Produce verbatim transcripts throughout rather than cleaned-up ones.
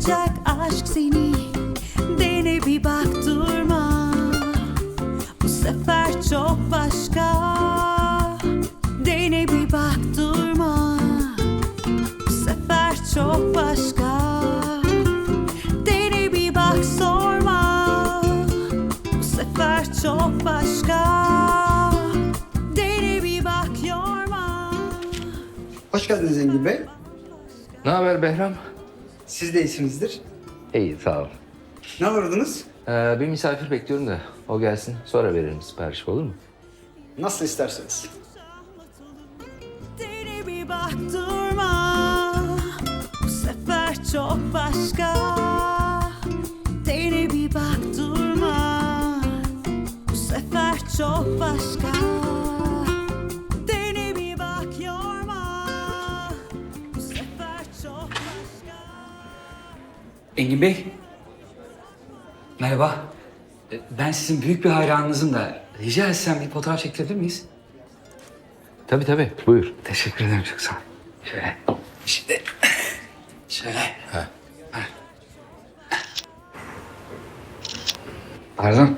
Yakacak aşk seni, dene bir bak durma. Bu sefer çok başka, dene bir bak durma. Bu sefer çok başka, dene bir bak sorma. Bu sefer çok başka, dene bir bak yorma. Hoş geldiniz Engin Bey. Ne haber Behram? Siz de iyisinizdir. İyi, sağ ol. Ne aradınız? Ee, bir misafir bekliyorum da o gelsin. Sonra veririm sipariş, olur mu? Nasıl isterseniz. Dene bir bak durma. Bu sefer çok başka. Dene bir bak durma. Bu sefer çok başka. Dene bir bak yorma. Bu sefer çok başka. Engin Bey. Merhaba. E, Ben sizin büyük bir hayranınızım da rica etsem bir fotoğraf çektirebilir miyiz? Tabii tabii, buyur. Teşekkür ederim, çok sağ olun. Şöyle. Şimdi şöyle. Ha. Pardon.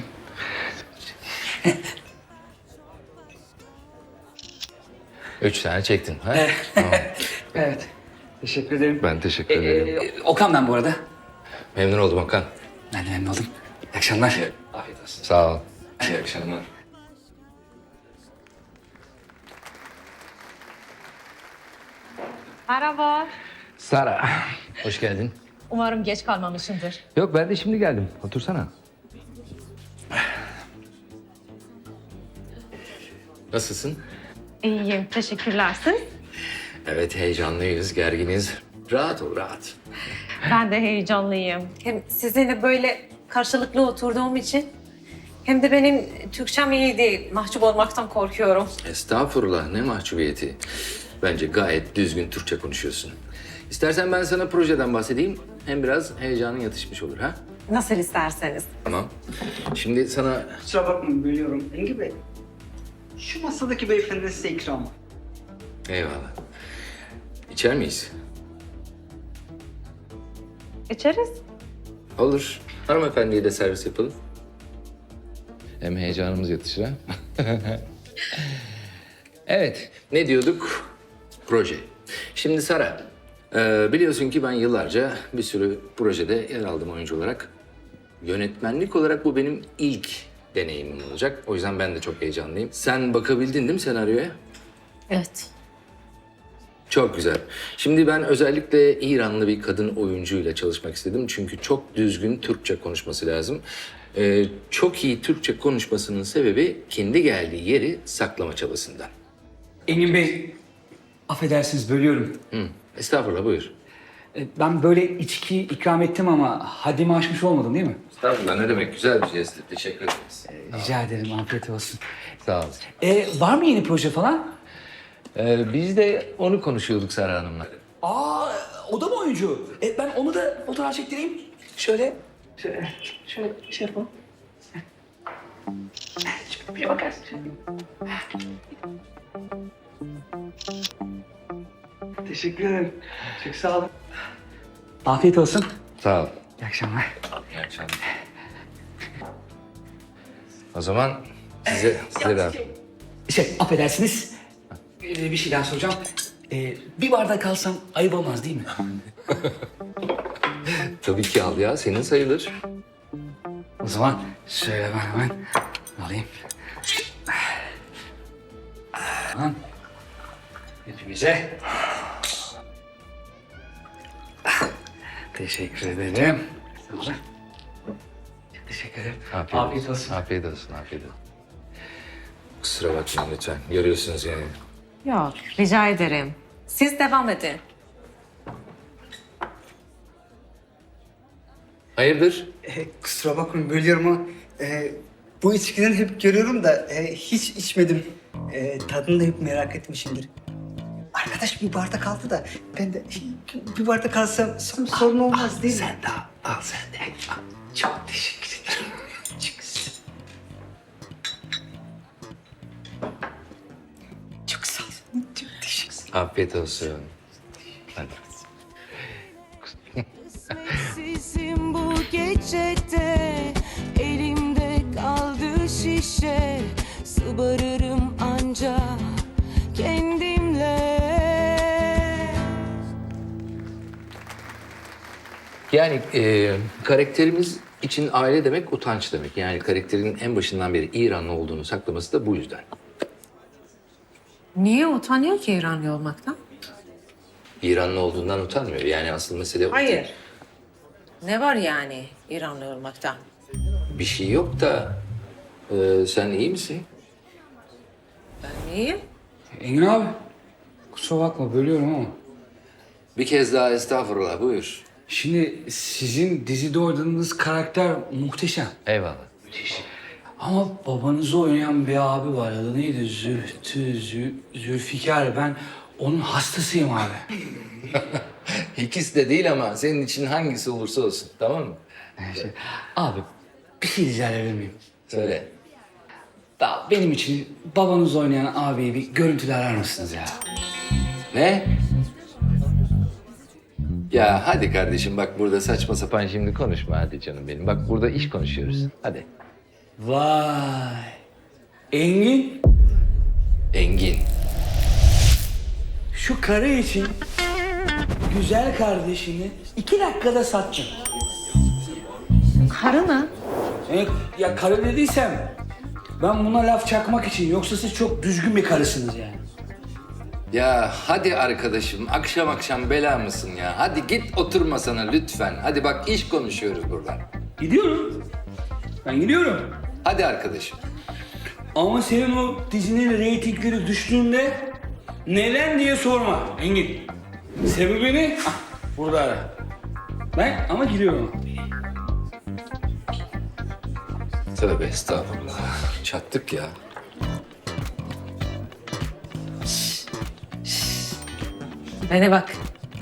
Üç tane çektin, ha? Tamam. Evet. Teşekkür ederim. Ben teşekkür E, ederim. e, Okan ben bu arada. Memnun oldum Hakan. Ben de memnun oldum. İyi akşamlar. Afiyet olsun. Sağ ol. İyi akşamlar. Merhaba. Sara, hoş geldin. Umarım geç kalmamışımdır. Yok, ben de şimdi geldim. Otursana. Nasılsın? İyiyim, teşekkürler. Siz? Evet, heyecanlıyız, gerginiz. Rahat ol, rahat. Ben de heyecanlıyım. Hem sizinle böyle karşılıklı oturduğum için hem de benim Türkçem iyi değil. Mahcup olmaktan korkuyorum. Estağfurullah, ne mahcubiyeti. Bence gayet düzgün Türkçe konuşuyorsun. İstersen ben sana projeden bahsedeyim. Hem biraz heyecanın yatışmış olur, ha? Nasıl isterseniz. Tamam. Şimdi sana... Kusura bakmayın bölüyorum. Engin Bey. Şu masadaki beyefendi size ikramı. Eyvallah. İçer miyiz? İçeriz. Olur. Hanımefendiye de servis yapalım. Hem heyecanımız yatışır, ha? Evet, ne diyorduk? Proje. Şimdi Sara, e, biliyorsun ki ben yıllarca bir sürü projede yer aldım oyuncu olarak. Yönetmenlik olarak bu benim ilk deneyimim olacak. O yüzden ben de çok heyecanlıyım. Sen bakabildin değil mi senaryoya? Evet. Çok güzel. Şimdi ben özellikle İranlı bir kadın oyuncuyla çalışmak istedim. Çünkü çok düzgün Türkçe konuşması lazım. Ee, çok iyi Türkçe konuşmasının sebebi kendi geldiği yeri saklama çabasından. Engin Bey, affedersiniz bölüyorum. Hı, estağfurullah, buyur. E, Ben böyle içki ikram ettim ama haddimi aşmış olmadım değil mi? Estağfurullah, ne demek, güzel bir jest. Teşekkür ederiz. Rica ederim, afiyet olsun. Sağ ol. E, var mı yeni proje falan? Ee, biz de onu konuşuyorduk Sara Hanım'la. Aa, o da mı oyuncu? E, ben onu da fotoğraf çektireyim. Şöyle, şöyle, şöyle şey yapalım. Şöyle bir bakarsın. Teşekkür ederim. Çok sağ olun. Afiyet olsun. Sağ ol. İyi akşamlar. İyi akşamlar. O zaman size, size de... Şey, affedersiniz. Ee, bir şey daha soracağım. Ee, bir bardak alsam ayıp olmaz değil mi? Tabii ki al ya, senin sayılır. O zaman şöyle ben hemen alayım. Tamam. Hepimize. Teşekkür ederim. Sağ olun. Çok teşekkür ederim. Afiyet, olsun. Afiyet olsun, afiyet olsun. Kusura bakmayın lütfen. Görüyorsunuz yani. Yok, rica ederim. Siz devam edin. Hayırdır? E, kusura bakmayın bölüyorum ama e, bu içkiden hep görüyorum da e, hiç içmedim. E, tadını da hep merak etmişimdir. Arkadaş bir bardak aldı da ben de bir bardak alsam sorun olmaz değil mi? Sen de al, al sen de. Al. Çok teşekkür ederim. Çok sağ olun. Çok teşekkür ederim. Afiyet olsun. Hadi. peçete, elimde kaldı şişe. Sıbarırım anca kendimle. Yani e, karakterimiz için aile demek utanç demek. Yani karakterin en başından beri İranlı olduğunu saklaması da bu yüzden. Niye utanıyor ki İranlı olmaktan? İranlı olduğundan utanmıyor. Yani asıl mesele o değil. Hayır. Ne var yani İranlı olmaktan? Bir şey yok da e, sen iyi misin? Ben iyiyim. Engin abi, kusura bakma bölüyorum ama. Bir kez daha estağfurullah buyur. Şimdi sizin dizide oynadığınız karakter muhteşem. Eyvallah. Ama babanızı oynayan bir abi var. Adı neydi? Zühtü, Zü, Zülfikar. Ben onun hastasıyım abi. İkisi de değil ama senin için hangisi olursa olsun tamam mı? Şey, abi bir şey rica edebilir miyim? Söyle. Da benim için babanızı oynayan abiyi bir görüntülü arar mısınız ya? Ne? Ya hadi kardeşim bak burada saçma sapan şimdi konuşma hadi canım benim. Bak burada iş konuşuyoruz. Hadi. Vay. Engin, Engin. şu karı için güzel kardeşini iki dakikada sattın. Karı mı? Evet, ya karı dediysem ben buna laf çakmak için, yoksa siz çok düzgün bir karısınız yani. Ya hadi arkadaşım akşam akşam bela mısın ya? Hadi git otur masana lütfen. Hadi bak iş konuşuyoruz burada. Gidiyorum. Ben gidiyorum. Hadi arkadaşım. Ama senin o dizinin reytingleri düştüğünde neden diye sorma Engin. Sebebini ah, burada ara. Ben ama gidiyorum. Tövbe estağfurullah. Çattık ya. Bana bak.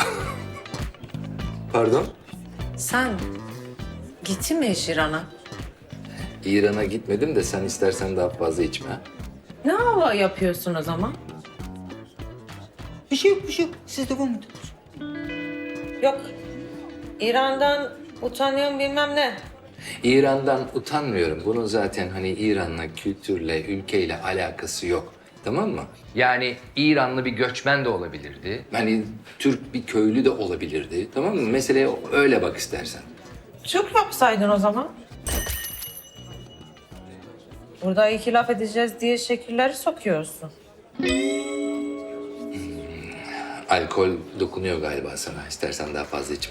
Pardon? Sen gittin mi hiç İran'a? İran'a gitmedim de sen istersen daha fazla içme. ha? Ne hava yapıyorsun o zaman? Bir şey yok, bir şey yok. Siz devam edin. Yok. İran'dan utanıyorum bilmem ne. İran'dan utanmıyorum. Bunun zaten hani İran'la, kültürle, ülkeyle alakası yok. Tamam mı? Yani İranlı bir göçmen de olabilirdi. Hani Türk bir köylü de olabilirdi. Tamam mı? Meseleye öyle bak istersen. Çok yapsaydın o zaman. Burada iki laf edeceğiz diye şekilleri sokuyorsun. Alkol dokunuyor galiba sana. İstersen daha fazla içme.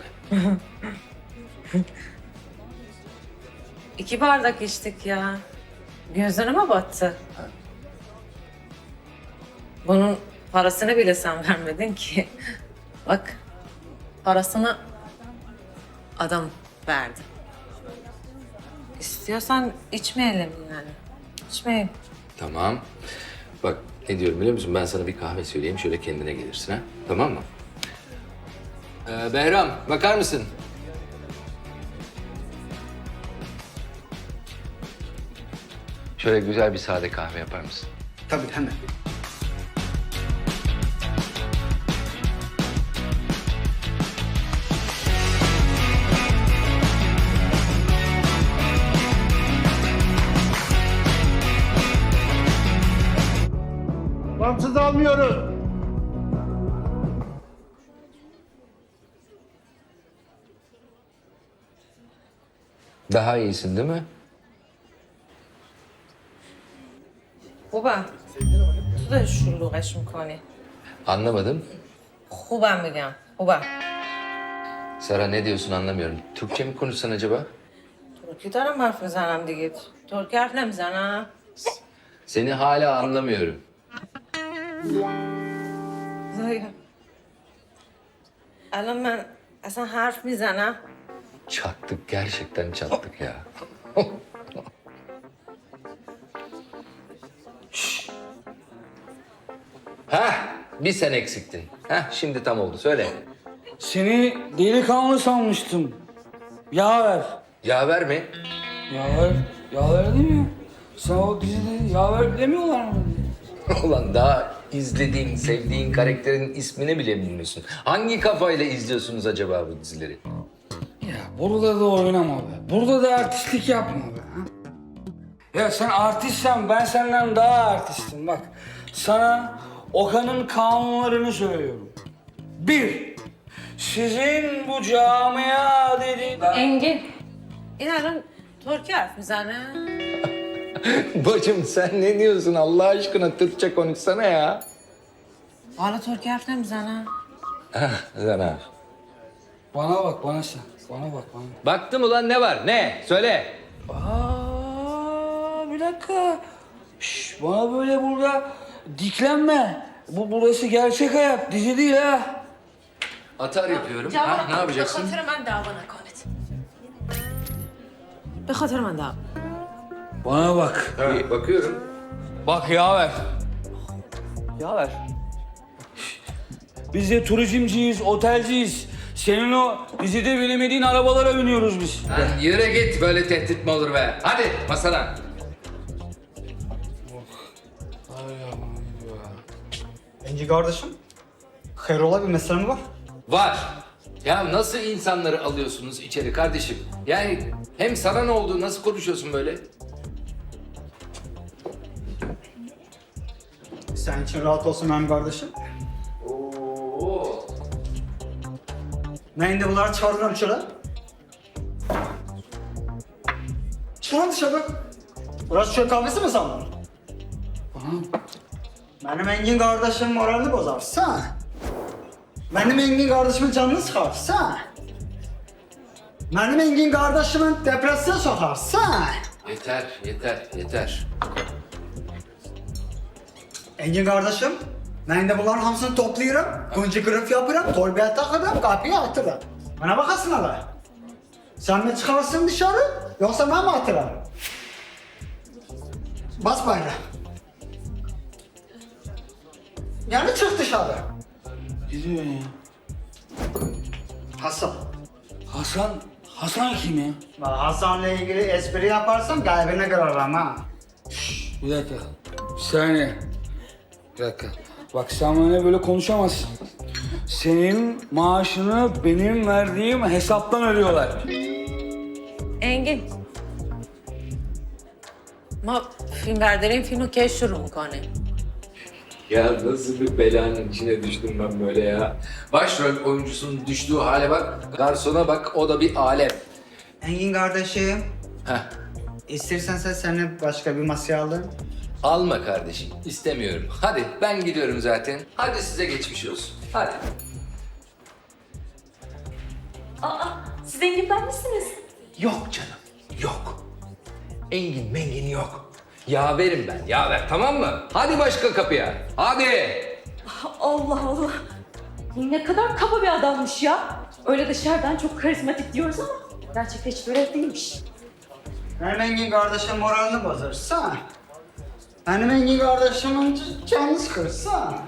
İki bardak içtik ya. Gözlerime mi battı? Bunun parasını bile sen vermedin ki. Bak, parasını adam verdi. İstiyorsan içmeyelim yani. İçmeyelim. Tamam. Bak ne diyorum biliyor musun? Ben sana bir kahve söyleyeyim. Şöyle kendine gelirsin ha. Tamam mı? Ee, Behram bakar mısın? Şöyle güzel bir sade kahve yapar mısın? Tabii hemen. Bağımsız almıyoruz. Daha iyisin değil mi? خوبه تو داری شلوغش میکنی Anlamadım. خوبم میگم خوبه Sara ne diyorsun anlamıyorum. Türkçe mi konuşsan acaba? ترکی دارم حرف میزنم دیگه ترکی حرف نمیزنم Seni hala anlamıyorum. زایا الان من اصلا حرف میزنم Çattık gerçekten çattık ya. Şşş. Hah bir sen eksiktin. Hah şimdi tam oldu söyle. Seni delikanlı sanmıştım. Yaver. Yaver mi? Yaver. Yaver değil mi? Sen o dizide yaver demiyorlar mı? Ulan daha izlediğin, sevdiğin karakterin ismini bile bilmiyorsun. Hangi kafayla izliyorsunuz acaba bu dizileri? Ya Burada da oynama be. Burada da artistlik yapma be. Ha? Ya sen artistsen ben senden daha artistim bak. Sana Okan'ın kanunlarını söylüyorum. Bir, sizin bu camia dediğin... Engin. İnanın Türkiye harf müzene. Bacım sen ne diyorsun Allah aşkına Türkçe konuşsana ya. Valla Türkiye harf ne müzene? Zana. Bana bak bana sen. Bana bak bana. Baktım ulan ne var ne? Söyle. Aa, bir dakika. Şş, bana böyle burada diklenme. Bu burası gerçek hayat, dizi değil ha. Atar yapıyorum. Ha, ne yapacaksın? بخاطر من دعوانا كانت بخاطر من دعوا Bana bak. İyi, bakıyorum. Bak yaver. Yaver. Biz de turizmciyiz, otelciyiz. Senin o dizide bilemediğin arabalara biniyoruz biz. Lan yürü git böyle tehdit mi olur be? Hadi masadan. Engin kardeşim, hayrola bir mesele mi var? Var. Ya nasıl insanları alıyorsunuz içeri kardeşim? Yani hem sana ne oldu, nasıl konuşuyorsun böyle? Sen için rahat olsun benim kardeşim. Oo. Ben de bunları çağırırım şöyle. Çıkın dışarı. Burası çöl kahvesi mi sandın? Benim Engin kardeşim moralini bozarsa, benim Engin kardeşimin canını sıkarsa, benim Engin kardeşimin depresyona sokarsa, Yeter, yeter, yeter. Engin kardeşim, ben de bunların hamısını toplayırım, kuncu kırıp yapırım, torbaya takırım, kapıya atırım. Bana bakasın hala. Sen mi çıkarsın dışarı, yoksa ben mi atırım? Bas bayrağı. Yani çık dışarı. Gidiyor ya. Hasan. Hasan, Hasan kim ya? Bak Hasan'la ilgili espri yaparsam kalbine kırarım ha. Bir dakika. Bir saniye. Bir dakika. Bak sen benimle böyle konuşamazsın. Senin maaşını benim verdiğim hesaptan ödüyorlar. Engin. ما فیلم برداریم فیلم رو کی شروع میکنه Ya nasıl bir belanın içine düştüm ben böyle ya. Başrol oyuncusunun düştüğü hale bak, garsona bak, o da bir alem. Engin kardeşim, Heh, istersen sen seninle başka bir masaya alırım. alma kardeşim, istemiyorum. Hadi, ben gidiyorum zaten. Hadi size geçmiş olsun. Hadi. Aa, siz Engin'den misiniz? Yok canım, yok. Engin mengin yok. Yaverim ben, yaver, tamam mı? Hadi başka kapıya, hadi. Allah Allah. Ne kadar kaba bir adammış ya. Öyle dışarıdan çok karizmatik diyoruz ama gerçekten hiç böyle değilmiş. Benim Engin kardeşim moralini bozarsa, benim Engin kardeşimin canını sıkırsa.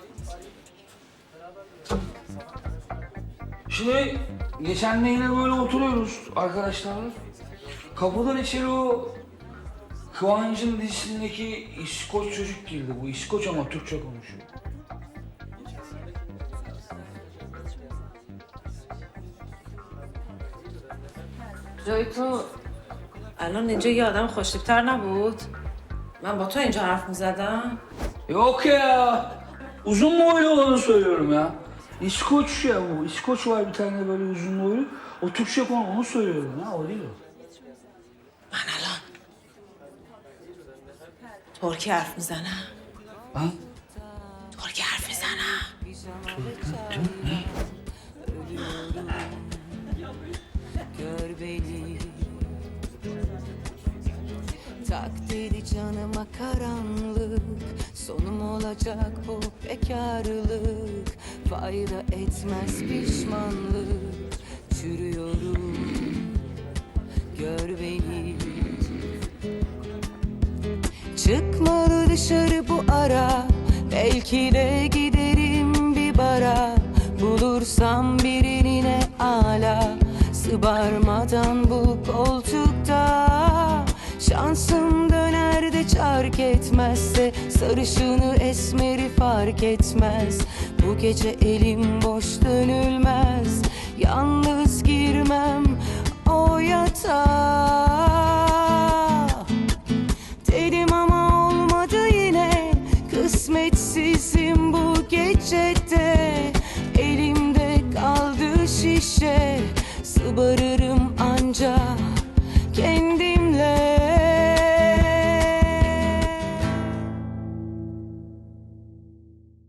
Şimdi geçen de yine böyle oturuyoruz arkadaşlarla. Kapıdan içeri o Kıvancı'nın dizisindeki İskoç çocuk girdi. Bu İskoç ama Türkçe konuşuyor. جای تو الان اینجا یه آدم خوشتیبتر نبود من با تو اینجا حرف میزدم Yok ya. Uzun boylu olanı söylüyorum ya. İskoç ya bu. İskoç var bir tane böyle uzun boylu. O Türkçe konu onu söylüyorum ya. O değil o. من الان ترکی حرف میزنم Ha? ترکی حرف میزنم Gör beni. Tak dedi canıma karanlık. Sonum olacak bu bekarlık. Fayda etmez pişmanlık. Çürüyorum. Gör beni. Çıkmalı dışarı bu ara. Belki de giderim bir bara. Bulursam birini ne ala. Sıbarmadan bu koltukta. Şansım döner de çark etmezse. Sarışını esmeri fark etmez. Bu gece elim boş dönülmez. Yalnız girmem o yatağa. Dedim ama olmadı yine, kısmetsizim bu gecede. Elimde kaldı şişe, sıbarırım